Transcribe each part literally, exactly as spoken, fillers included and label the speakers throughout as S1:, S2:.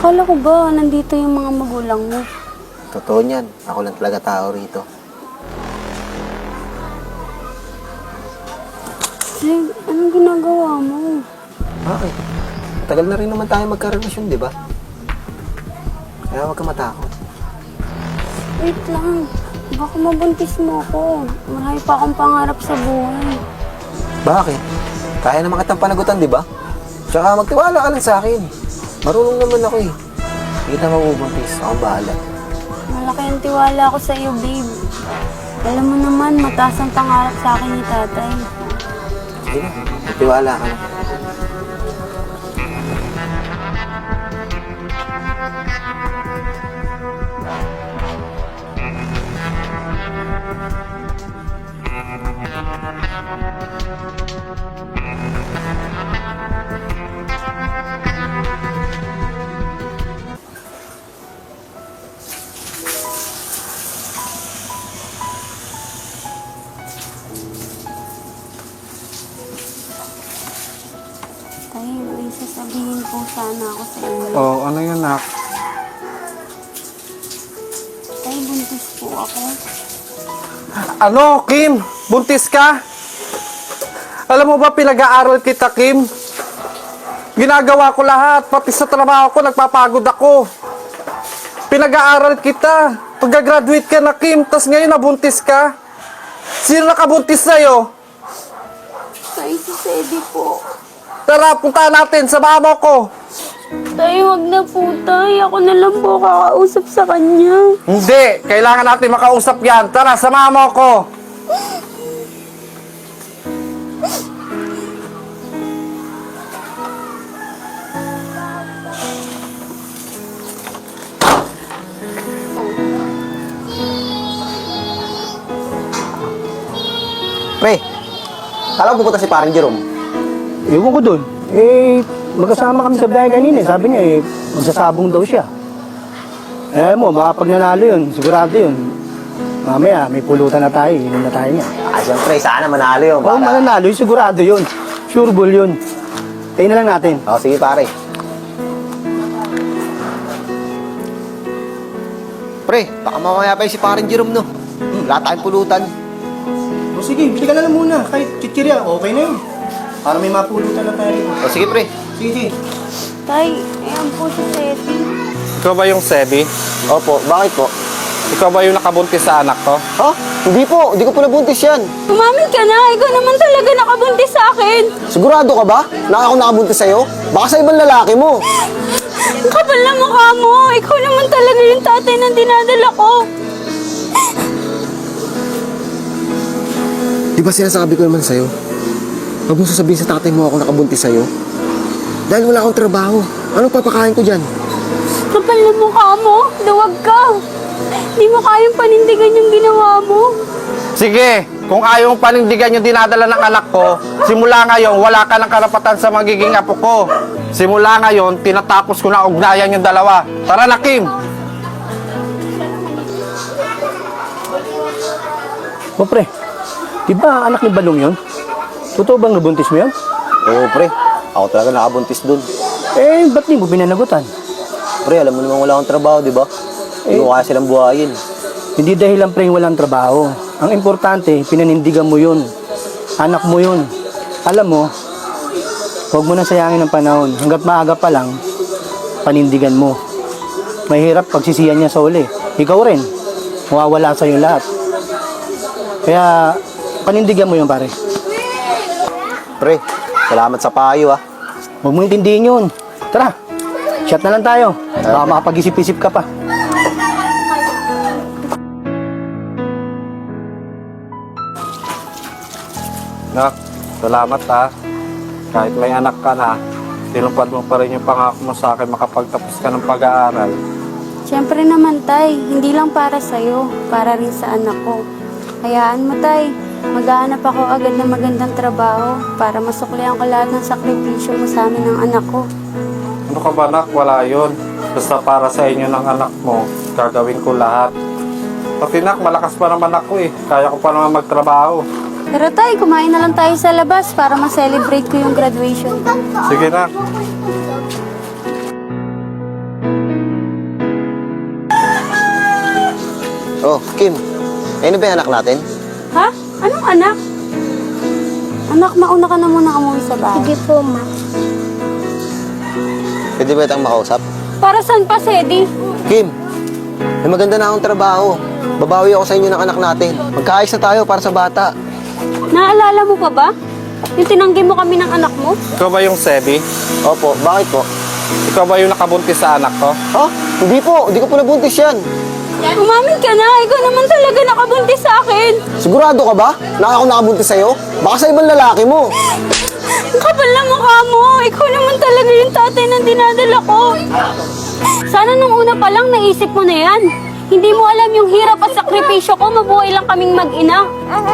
S1: Akala ko ba nandito yung mga magulang mo?
S2: Totoo niyan. Ako lang talaga tao rito.
S1: Leg, anong ginagawa mo?
S2: Bakit? Tagal na rin naman tayo magkarelasyon, di ba? Kaya huwag ka matakot.
S1: Wait lang. Baka mabuntis mo ako. Marami pa akong pangarap sa buhay.
S2: Bakit? Kaya naman kitang panagutan, di ba? Tsaka magtiwala ka lang sa akin. Marunong naman ako eh. Hindi kita mabubuntis. Ako bahala.
S1: Malaki ang tiwala ko sa iyo, babe. Alam mo naman, mataas ang pangarap sa akin ni tatay.
S2: Sige na. Magtiwala ka na.
S1: Tay, may sasabihin po sana ako sa inyo.
S3: Oh, ano yun, nak?
S1: Tay, buntis po ako.
S3: Ano, Kim? Buntis ka? Alam mo ba, pinag-aaral kita, Kim? Ginagawa ko lahat, pati sa trabaho ko, nagpapagod ako. Pinag-aaral kita. Pagka-graduate ka na, Kim, tas ngayon nabuntis ka. Sino nakabuntis sa'yo?
S1: Tay, si Sedi po.
S3: Tara, punta natin sa mama ko.
S1: Tay, wag na po, tay. Ako na lang po kakausap sa kanya.
S3: Hindi, kailangan natin makausap yan. Tara, sa mama ko.
S2: Pre, kala ko pupunta si parang Jerome.
S4: Ewan ko dun. Eh, magkasama kami sa biyahe kanina. Sabi niya, eh, magsasabong daw siya. Eh mo, baka pag nanalo yun, sigurado yun. Mamaya, may pulutan na tayo, inom na tayo niya.
S2: Ah, siyempre, sana manalo yun.
S4: Oo, mananalo yun, sigurado yun. Sure ball yun. Tayo na lang natin.
S2: Oo, sige pare. Pre, baka mamaya pa yung si parang Jerome, no? Hmm, wala tayong pulutan.
S4: O sige, bili ka na lang muna. Kahit chichirya, okay na yun. Para may mapulutan na tayo.
S2: O sige, pre.
S4: Sige.
S1: Tay, ayan po si Sedi.
S3: Ikaw ba yung Sebi?
S2: Opo, bakit po?
S3: Ikaw ba yung nakabuntis sa anak ko?
S2: Ha? Hindi po, hindi ko po nabuntis yan.
S1: Umamin ka na. Ikaw naman talaga nakabuntis sa akin.
S2: Sigurado ka ba na ako nakabuntis sa'yo? Baka sa ibang lalaki mo.
S1: Ang kapal na mukha mo. Ikaw naman talaga yung tatay na dinadala ko.
S2: Di ba sinasabi ko naman sa'yo? Huwag mo sasabihin sa tatay mo ako nakabuntis sa'yo. Dahil wala akong trabaho. Anong papakain ko dyan?
S1: Kapal na mukha mo. Duwag ka. Di mo kayang panindigan yung ginawa mo.
S3: Sige, kung ayaw mong panindigan yung dinadala ng anak ko, simula ngayon, wala ka ng karapatan sa magiging apo ko. Simula ngayon, tinatapos ko na ugnayan yung dalawa. Tara na, Kim!
S4: O pre, di ba anak ni Balong yun? Totoo bang nabuntis mo yun?
S2: Oo, pre. Ako talaga nakabuntis dun.
S4: Eh, ba't di mo pinanagutan?
S2: Pre, alam mo naman wala akong trabaho, di ba? Hindi ko kaya silang buhayin.
S4: Hindi dahil lang pre walang trabaho. Ang importante, pinanindigan mo yun. Anak mo yun. Alam mo, huwag mo na sayangin ang panahon. Hanggat maaga pa lang, panindigan mo. Mahirap pagsisiyan niya sa uli. Ikaw rin, mawawala sa'yo lahat. Kaya, panindigan mo yun pare.
S2: Pre, salamat sa payo, ah.
S4: Huwag mo intindihin yun. Tara, shot na lang tayo. Baka makapag-isip-isip ka pa.
S3: Nak, salamat ha. Kahit may anak ka na, tinupad mo pa rin yung pangako mo sa akin makapagtapos ka ng pag-aaral.
S1: Siyempre naman, tay. Hindi lang para sa'yo. Para rin sa anak ko. Hayaan mo, tay. Maghahanap ako agad ng magandang trabaho para masuklihan ko lahat ng sakripisyo mo sa amin ng anak ko.
S3: Ano ka ba, nak? Wala yun. Basta para sa inyo ng anak mo, gagawin ko lahat. Pati nak, malakas pa naman ako eh. Kaya ko pa naman magtrabaho.
S1: Pero tay, kumain na lang tayo sa labas para ma-celebrate ko yung graduation.
S3: Sige na.
S2: Oh, Kim. Ayun na ba yung anak natin?
S1: Ha? Anong anak? Anak, mauna ka na muna umuwi sa bahay.
S5: Sige po, ma.
S2: Pwede ba itang makausap?
S1: Para saan pa, Sedi?
S2: Kim, may maganda na akong trabaho. Babawi ako sa inyo ng anak natin. Magkaayos na tayo para sa bata.
S1: Naalala mo pa ba? Yung tinanggi mo kami ng anak mo?
S3: Ikaw ba yung Sebi?
S2: Opo, bakit po?
S3: Ikaw ba yung nakabuntis sa anak ko?
S2: Ha? Hindi po, hindi ko po nabuntis yan.
S1: Umamin ka na, ikaw naman talaga nakabuntis sa akin.
S2: Sigurado ka ba na ako nakabuntis sa'yo? Baka sa ibang lalaki mo.
S1: Ang kapal na mukha mo, ikaw naman talaga yung tatay na dinadala ko. Sana nung una pa lang naisip mo na yan. Hindi mo alam yung hirap at sakripisyo ko, mabuhay lang kaming mag-ina.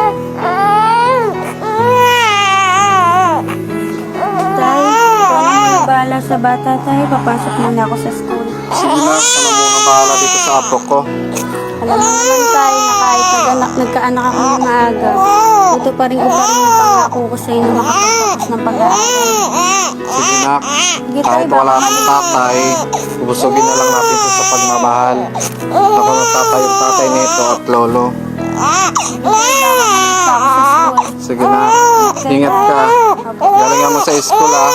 S1: Tay, ikaw naman bahala sa bata, tay. Papasok muna ako sa school.
S3: Sige na, ano muna bahala dito sa apo ko.
S1: Alam mo naman tayo na kahit nag-anak, nagkaanak ako ng maaga, ito pa rin ko pa rin yung pangako ko sa'yo na makapagtapos ng pag-aaral.
S3: Sige na,
S1: Sige,
S3: kahit
S1: tay,
S3: wala
S1: baka
S3: ng tatay, ubusugin na lang natin ito sa pagmamahal. Ako ng tatay, yung tatay nito at lolo.
S1: Basta ako sa school.
S3: Sige na, ingat ka. Galingan mo sa school ah.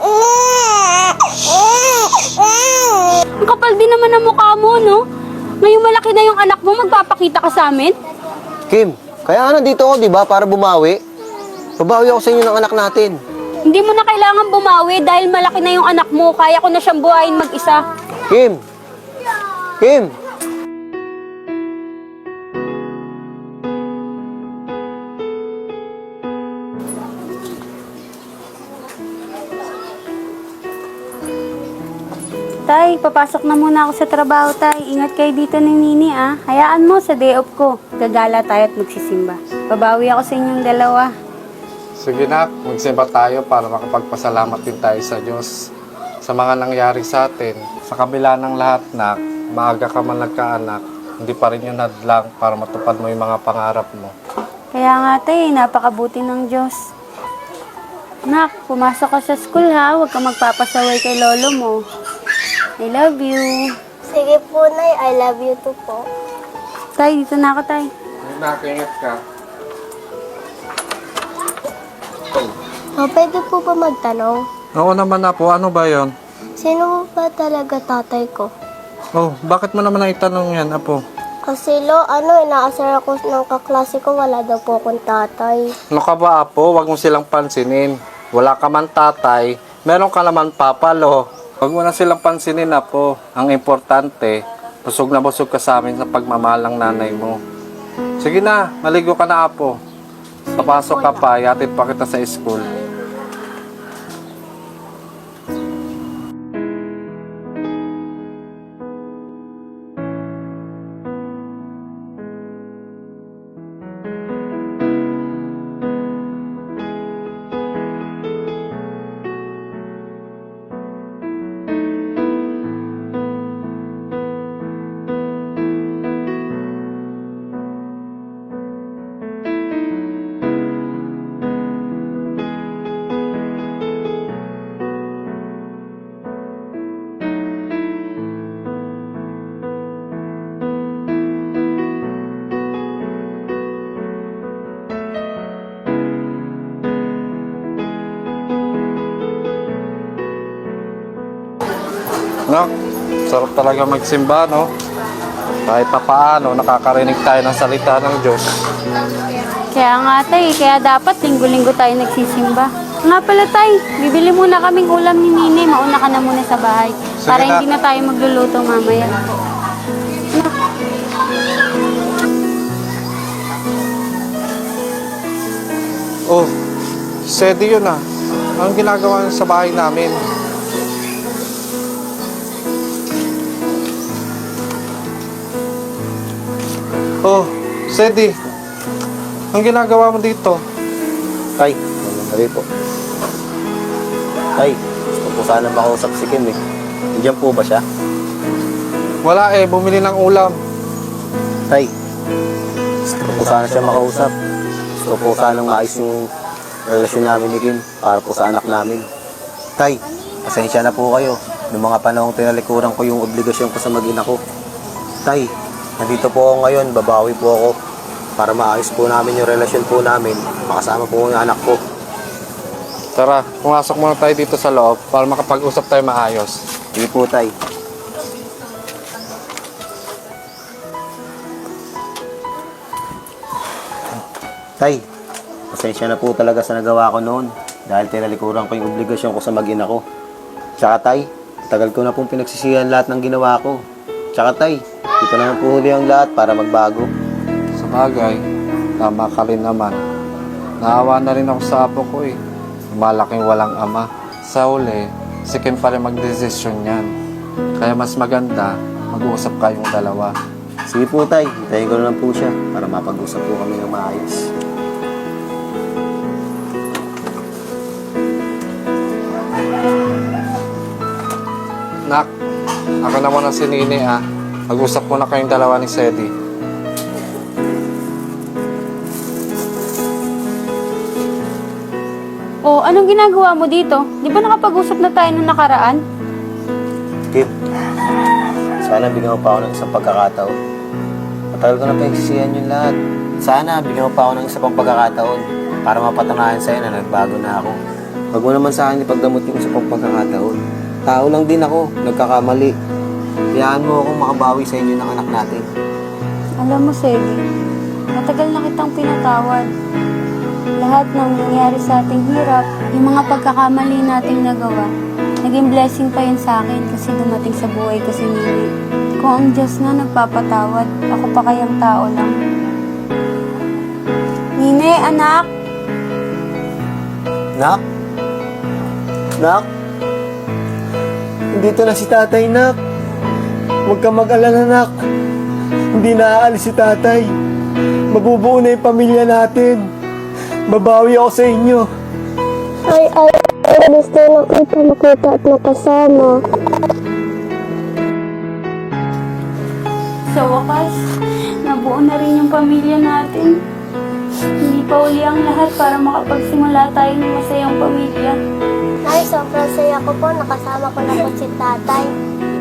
S1: Ang kapal din naman ang mukha mo, no? Ngayong malaki na yung anak mo, magpapakita ka sa amin?
S2: Kim, kaya nga nandito ako, di ba? Para bumawi. Babawi ako sa inyo ng anak natin.
S1: Hindi mo na kailangan bumawi dahil malaki na yung anak mo. Kaya ko na siyang buhayin mag-isa.
S2: Kim! Kim!
S1: Tay, papasok na muna ako sa trabaho, tay. Ingat kayo dito ni Nini, ah. Hayaan mo sa day off ko. Gagala tayo at magsisimba. Babawi ako sa inyong dalawa.
S3: Sige na, magsimba tayo para makapagpasalamat din tayo sa Diyos sa mga nangyari sa atin. Sa kabila ng lahat, nak, maaga ka man nagkaanak, hindi pa rin yun hadlang para matupad mo yung mga pangarap mo.
S1: Kaya nga, tay, napakabuti ng Diyos. Nak, pumasok ka sa school, ha. Huwag kang magpapasaway kay lolo mo. I love you.
S5: Sige po, Nay. I love you too po.
S1: Tay, dito na ako, tay.
S3: Nak, ingat ka.
S5: Oh, pwede po ba magtanong?
S3: Oo naman na po, ano ba yon?
S5: Sino ba talaga tatay ko?
S3: Oh, bakit mo naman naitanong yan, apo?
S5: Kasi lo, ano, inaasar ako ng kaklase ko, wala daw po akong tatay.
S3: Ano ka ba, apo? Huwag mo silang pansinin. Wala ka man tatay, meron ka naman papa, lo. Huwag mo na silang pansinin, apo. Ang importante, busog na busog ka sa amin sa pagmamahal ng nanay mo. Sige na, maligo ka na, apo. Papasok ka pa, yatid pa kita sa school. No? Sarap talaga magsimba, no? Kahit pa paano, nakakarinig tayo ng salita ng Diyos.
S1: Kaya nga, tay. Kaya dapat linggo-linggo tayo nagsisimba. Nga pala, tay. Bibili muna kaming ulam ni Nini. Mauna ka na muna sa bahay.
S3: Sige
S1: Para
S3: na.
S1: hindi na tayo magluluto mamaya.
S3: Oh, Sedi yun ah. Anong ginagawa niya sa bahay namin? Oh, Sedi. Anong ginagawa mo dito?
S2: Tay, sabi po. Tay, gusto po sana makausap si Kim eh. Nandiyan po ba siya?
S3: Wala eh, bumili ng ulam.
S2: Tay, gusto po sana siya makausap. Gusto po sana maayos yung relasyon namin ni Kim para po sa anak namin. Tay, pasensya na po kayo. Noong mga panahong tinalikuran ko yung obligasyon ko sa mag-ina ko. Tay, nandito po ako ngayon, babawi po ako para maayos po namin yung relasyon po namin. Makasama po yung anak ko.
S3: Tara, pumasok muna tayo dito sa loob para makapag-usap tayo maayos.
S2: Sige po, tay. Tay, pasensya na po talaga sa nagawa ko noon dahil tinalikuran ko yung obligasyon ko sa mag-ina ko. Tsaka tay, tagal ko na pong pinagsisihan lahat ng ginawa ko. Tsaka tay, dito naman po huli ang lahat para magbago.
S3: Sa bagay, tama ka rin naman. Naawa na rin ako sa apo ko eh. Malaking walang ama. Sa uli, si Kim pa rin mag-desisyon yan. Kaya mas maganda, mag-uusap kayong dalawa.
S2: Sige po tay, hintayin ko na lang po siya para mapag-usap po kami ng maayos.
S3: Nak, ako na muna si Nini ah. Mag-usap muna kayong dalawa ni Sedi.
S1: O, anong ginagawa mo dito? Di ba nakapag-usap na tayo nung nakaraan?
S2: Kim, sana bigyan mo pa ako ng isang pagkakataon. Matagal ko na pinagsisihan yung lahat. Sana bigyan mo pa ako ng isang pang pagkakataon para mapatunayan sa'yo na nagbago na ako. Huwag mo naman sa akin ipagdamot yung isang pang pagkakataon. Tao lang din ako, nagkakamali. Hayaan mo akong makabawi sa inyo ng anak natin.
S1: Alam mo, Sedi, matagal na kitang pinatawad. Lahat ng nangyari sa ating hirap, yung mga pagkakamali nating nagawa, naging blessing pa yun sa akin kasi dumating sa buhay ko si Nini. Kung ang Diyos na nagpapatawad, ako pa kayang tao lang. Nini, anak!
S2: Nak? Nak? Dito na si tatay, nak. Huwag ka mag-alala, nak. Hindi na aalis si tatay. Mabubuo na yung pamilya natin. Babawi ako sa inyo.
S5: Ay, ay, ay, gusto na kita makita at makasama.
S1: Sa wakas, nabuo na rin yung pamilya natin. Hindi pa uli ang lahat para makapagsimula tayo ng masayang pamilya.
S5: Ay, sobrang saya ko po. Nakasama ko na po si tatay.